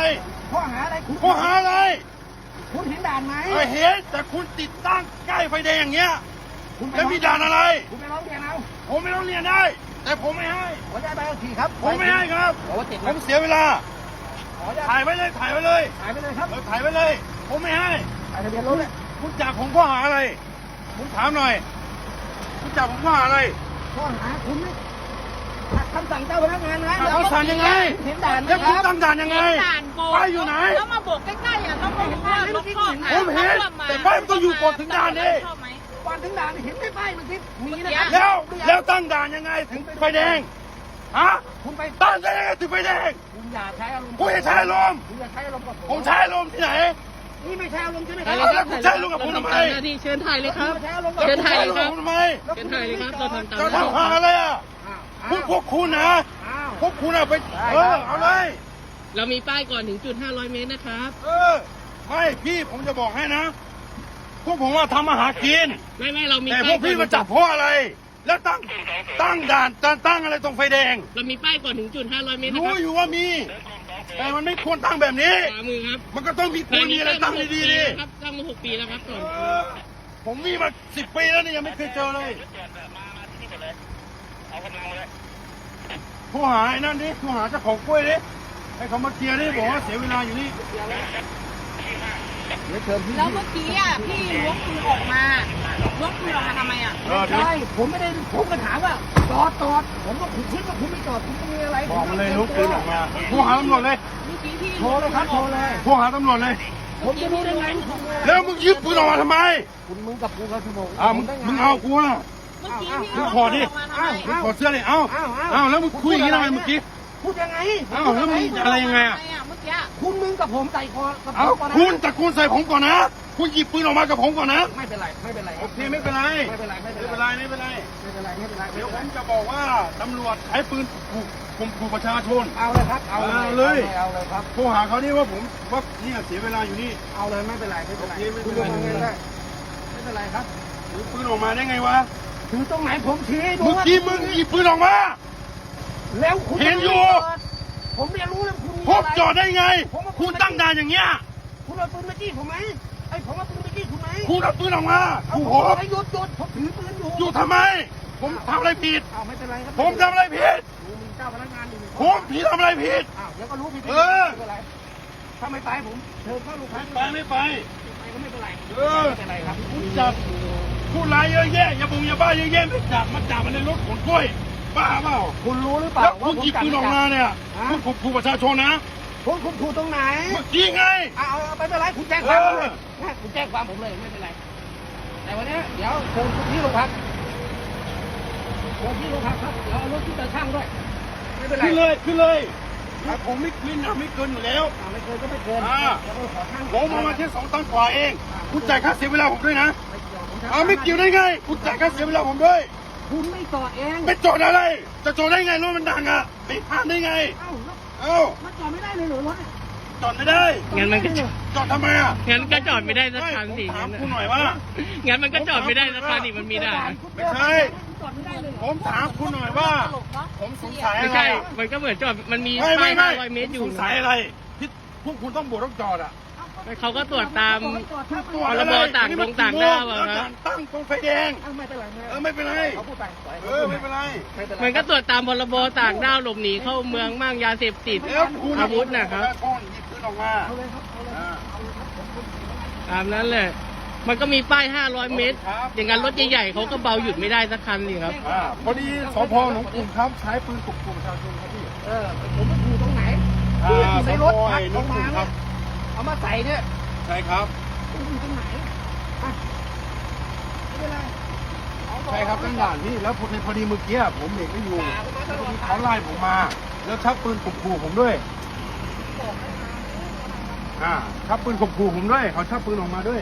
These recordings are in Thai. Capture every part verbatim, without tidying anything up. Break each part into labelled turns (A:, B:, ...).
A: ข้อหาอะไรคุณ
B: ข้อหาอะไร
A: คุณเห็นด่านไหม
B: เออเห็นแต่คุณติดตั้งใกล้ไฟแดงอย่างเงี้ย
A: คุณไป
B: แล้วมีด่านอะไร
A: คุณไปร้องเรียนเอา
B: ผมไม่ต้องเรียนได้ แต่ผมไม่ให้
A: ขอได้ใบขับขี่ครับ
B: ผมไม่ให้ครับ
A: ขอว่าติด
B: ผมเสียเวลา
A: ขอได้
B: ถ่ายไว้เลยถ่ายไว้เลย
A: ถ่ายไปเลยครับ
B: เออถ่ายไว้เลย ผมไม่ให้
A: ถ่ายทะเบียนรถเลย
B: คุณจับผมข้อหาอะไรผมถามหน่อยคุณจับผมข้อหาอะไร
A: ข้อหาคุณไม่ขัดคำสั่งเจ้าพนักงานนะ
B: ขัดคำสั่งยังไง
A: เห็นด่านไหม
B: แล้ว
A: ค
B: คุณ
A: รับ
B: ตั้งด่านยังไง
C: ด่านโบก
B: ป้ายอยู่ไหน
C: แล้วมาโบกใกล้ๆอ่ะต้องบอกว่ารถข้อหา
B: ผมเห็นแต่ป้ายมันต้องอยู่ก่อนถึงด่านดิ
C: ชอบไหม
A: ก่อนถึงด่านเห็นไหมป้ายมันติดมีนะครับ
B: แล้วแล้วตั้งด่านยังไงถึงไฟแดงฮะ
A: คุณไป
B: ตั้งได้ยังไงถึงไฟแดง
A: คุณอย่าใช้อารมณ์
B: คุณจะใช้อารมณ์
A: คุณอย่าใช้อารมณ์กับผม
B: ผมใช้อารมณ์ที่ไหน
A: นี่ไม่ใช่อารมณ์ใช่ไหมค
C: ถ่า
A: รั
C: ย
A: บ
C: เลยครับ
B: คุณใช้ลูกกับผมทำไม
C: เราทำตามหน้าที่เชิญถ่ายเลยครับ
A: ณใช้อารมณ์กับ
C: เชิญถ่าย
B: คุณใช้ลูกกับผมทำไม
C: เชิญถ่ายเลยครับเราทำตาม
B: จะ
C: หน้าที่
B: ทำหาอะไรอ่ะ
A: อ้าว
B: พวกพวกคุณนะ
A: อ้าว
B: พวกคุณอะไปเออเอาเลย
C: เรามีป้ายก่อนถึงจุดห้าร้อยเมตรนะครับ
B: เออไม่พี่ผมจะบอกให้นะ พวกผมว่าทำมาหากิน
C: ไม่ไม่เรามี
B: แต่พ
C: ป้า
B: วย ก
C: ก่อน
B: พี่มาจับเพราะอะไร แล้วตั้งตั้งด่านตั้งตั้งอะไรตรงไฟแดง
C: เรามีป้ายก่อนถึงจุดห้าร้อยเมตรนะ
B: รู้
C: ครับ
B: อยู่ว่ามี แต่มันไม่ควรตั้งแบบนี้
C: ขวามือครับ
B: มันก็ต้องมีควรมีอะไรตั้งดีๆดิ
C: ครับตั้งมาหกปีแล้วครับก่อน
B: เออผมมีมาสิบปีแล้วนี่ยังไม่เคยเจอเลยโทรหาไอ้นั่นดิโทรหาเจ้าของกล้วยดิให้เขามาเคลียร์ดิบอกว่าเสียเวลาอยู่นี่
A: เดี๋ยวเชิญพี่
C: แล้วเมื่อกี้อ่ะพี่ล้วงปืนออกมาล้วงปืนออกมาทำไมอ่ะ
B: เออเดี๋ยว
A: ใช่ผมไม่ได้ผมก็ถามว่าจอดจอดผมก็คุณคิดว่าคุณไม่จอดคุณจะมีอะไร
B: บอกมันเลยลุกปืนออกมาโทรหาตำรวจเลย
C: เมื่อกี้พี่
A: โทรเลยครับโทรเลย
B: โทรหาตำรวจเลย
A: ผมจะรู้ได้ไง
B: แล้วมึงยึดปืนออกมาทำไม
A: คุณมึงกับกูเขาชั่วโมง
B: อ่ามึงมึงเอากูอ่ะ
C: เมื่อกี้พี่
B: มึง
C: ล้วง
B: ขอดิ
C: ปืนออกมาทำไม
B: มึงขอเสื้อเลยเอ้าเอ้าแล้วมึงคุยอย่างนี้ทำไมเมื่อกี้
A: พูดยังไง
B: เอ้าแล้วมึงอะไรยังไงอ่ะ
C: ทำมเมื่อกี้
A: คุณมึงกับผมใส่คอกับผ
B: เอ้าม
A: ก่อนนะ
B: คุณตะโกนใส่ผมก่อนนะ คุณหยิบปืนออกมากับผมก่อนนะ
A: ไม่เป็นไรไม่เป็นไร
B: โอเคไม่เป็นไร
A: ไม่เป็นไรไม่
B: ไม่
A: เป็น
B: เป็น
A: ไร
B: ไรไม่เป็นไร
A: ไม่เป็นไรไม่เป็นไร
B: เดี๋ยวผมจะบอกว่าตำรวจใช้ปืนขู่ข่มขู่ประชาชน
A: เอาเลยครับเอา
B: เอาเลย
A: เอาเลยครับ
B: โทรหาเขานี่ว่าผมว่าเนี่ยเสียเวลาอยู่นี่
A: เอาเลยไม่เป็นไรไม่เป็นไร
B: โอเคไม่
A: คุ
B: เป็
A: ณ
B: น
A: ล
B: ไร
A: งมาเงินได้ไม่เป็นไรครับ
B: ถือปืนออกมาได้ไงวะ
A: ถือตรงไหนผมชี้ให้ดู
B: เมื่อกี้มึงหยิบปืนออกมา
A: แล้วคุณ
B: เห็นอยู่
A: ผมเรียนรู้แล้วคุณมี
B: พบ
A: อะไร
B: จอดได้ไง คุณตั้งด่านอย่างเงี้ย
A: คุณเอาปืนมาจี้ผมไหมไอ้ผมเอาปืนมาจี้คุณไหม
B: คุณเอาปืนออกมา
A: เอา
B: ขู่
A: ผ
B: ผม ม
A: ให้หยุดหยุดผมถือปืนอยู่
B: อยู่ทำไม ผมทำอะไรผิด
A: เอาไม่เป็นไรครับ
B: ผมทำอะไรผิด
A: ผมมีเจ้าพนักงานอยู่
B: ผมผิดทำอะไรผิด
A: อ้าวเดี๋ยวก็รู้ผิด
B: เออ
A: ไม่เป็นไรถ้าไม่ไปผมเชิญเข้าโรงพัก
B: ไปไม่ไป
A: ไปก็ไม่เป็นไร
B: เออ
A: ไม่เป็นไรครับ
B: คุณจับผู้ร้ายเยอะแยะอย่าบุงอย่าบ้าเยอะแยะไม่จับมาจับมันในรถขนกล้วยบ้าเปล่า
A: คุณรู้หรือเปล่า
B: แล้วคุณหยิบปืนออกมาเนี่ยคุณข่มขู่ประชาชนนะ
A: ผมคุณถูกตรงไหน
B: เมื่อกี้ไง
A: เอาเอาไม่เป็นไรคุณแจ้งความผมเลย
B: เออ
A: นะคุณแจ้งความผมเลยไม่เป็นไรแต่วันนี้เดี๋ยวเชิญที่โรงพักเชิญที่โรงพักครับเดี๋ยวเอารถที่ตาช่างด้วยไม่เป็นไร
B: ขึ้นเลยขึ้นเลยถ้าผมไม่ขึ้นนะไม่เกินอยู่แล้ว
A: อ่าไม่เกินก็ไม่เกิน
B: อ่า
A: เดี๋ยวเราขอช่าง
B: ผมเอามาแค่สองตันกว่าเอง คุณจ่ายค่าเสียเวลาผมด้วยนะ
A: ไม่เกี่ยวผม
B: เอาไม่เกี่ยวได้ไง คุณจ่ายค่าเสียเวลาผมด้วย
A: คุณไม่จอดเอง
B: ไม่จอดอะไร จะจอดได้ไงรถมันดังอ่ะไม่ผ่านได้ไง
A: เอ้าแล้ว
B: เอ้า
A: มันจอดไม่ได้เลยเหรอรถเนี่ย
B: จอดไม่ได้
C: งั้นมันก็
B: จอดทำไมอ่ะ
C: งั้นก็จอดไม่ได้สักคันสิ
B: ไม่ผมถาม
C: งั้น
B: คุณหน่อยว่า
C: งั้นมันก็จอดไม่ได้สักคันอีกมันมีด่าน
B: ไม่ใช่
A: จอดไม่ได้เลยเหร
B: ผ
A: อ
B: มถามคุณหน่อยว่า ผมสงสัย
C: ไม่
B: อะไร
C: ใช่
B: อะ
C: มันก็เหมือนจอดมันมี
B: ไม่ไม่
C: ป้าย
B: ไม่
C: ห้าร้อยเมตรอยู่
B: สงสัยอะไรที่พวกคุณต้องบวกต้องจอดอ่ะ
C: เขาก็ตรวจตาม
B: ตรวจ
C: พ
B: อะ
C: ร
B: ไร
C: บต่าง
B: นี่
C: ด
B: มัน
C: งต่าง
B: กี่โม
C: ด้าวอะ
B: แล้ว
C: ครั
B: ด่า
C: บ
B: นตั้งตรงไฟแดง
A: เอ้าไม่เป็นไร
B: เออไม่เป็นไร
A: เขาพูดไปปล่ย
B: เออไม่เป็นไร
A: ไม่เป็นไร
C: มันก็ตรวจตามพรบต่างด้าวหลบหนีเข้าเมืองมั่งยาเสพติด
B: แล้วคุณ
C: อาวุธนะครับ
B: ก้อนหยิบปืนออกมา
A: เอาเลยครับเอาเลย
B: อ่า
A: เอาเลยครับผมผม
C: ตามนั้นเลย มันก็มีป้ายห้าร้อยเมตร อย่างนั้นรถใหญ่ๆเขาก็เบาหยุดไม่ได้สักคันนี่ครับ
B: อ่าพอดีสพหนองกรุงครับใช้ปืนข่มขู่ประชาชนครับพี่
A: เออผมไม่ถูกตรงไหน
B: อ่า
A: ที่อยู่ในรถ
B: สพ
A: พัก
B: หน
A: ล
B: อง
A: ง
B: กรุ
A: มาง
B: ครั
A: เนี่ย
B: บ
A: เอามาใส่เนี่ย
B: ใช่ครับ
A: ผมอยู่ตรงไหนอ่ะไม่เป็นไรเอาต่อ
B: ใช่ครับตั้งด่านพี่แล้วพอดีพอดีเมื่อกี้ผมเบรกไม่อยู่
A: ด่าผมมาตลอด
B: เขาไล่ผมมา แล้วชักปืนข่มขู่ผมด้วยอ่าชักปืนข่มขู่ผมด้วยเขาชักปืนออกมาด้วย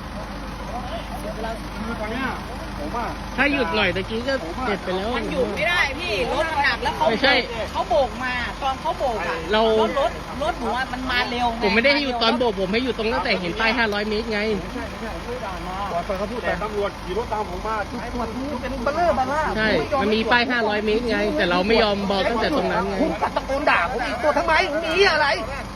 B: คือตอนเนี้ยผมว่า
C: ถ้าหยุดหน่อยตะกี้ก็เจ็บไปแล้ว
D: มันหยุดไม่ได้พี่รถมันหนักแล้วเขา
C: ไม่ใช่
D: เขาโบกมาตอนเขาโบกอ่ะ
C: เรา
D: รถรถรถหนูอะมันมาเร็วง
C: ผมไม่ได้ให้หยุดตอนโบกผมให้หยุดตรงตั้งแต่เห็นป้ายห้าร้อยเมตรไง
B: ไม่ใช่ไม่ใช่ผมไม่ได้ด่ามาปล่อยไปเขาพูดแต่ตำรวจขี่รถตามผมมาทุก
A: ไอ้หมวดนี้เป็นเบลเลอร์บาร่า
C: ใช่ มันมีป้ายห้าร้อยเมตรไง แต่เราไม่ยอมบอกตั้งแต่ตรงนั้นไง
A: คุณกัดตะโกนด่าผมอีกตัวทำไมมีอะไร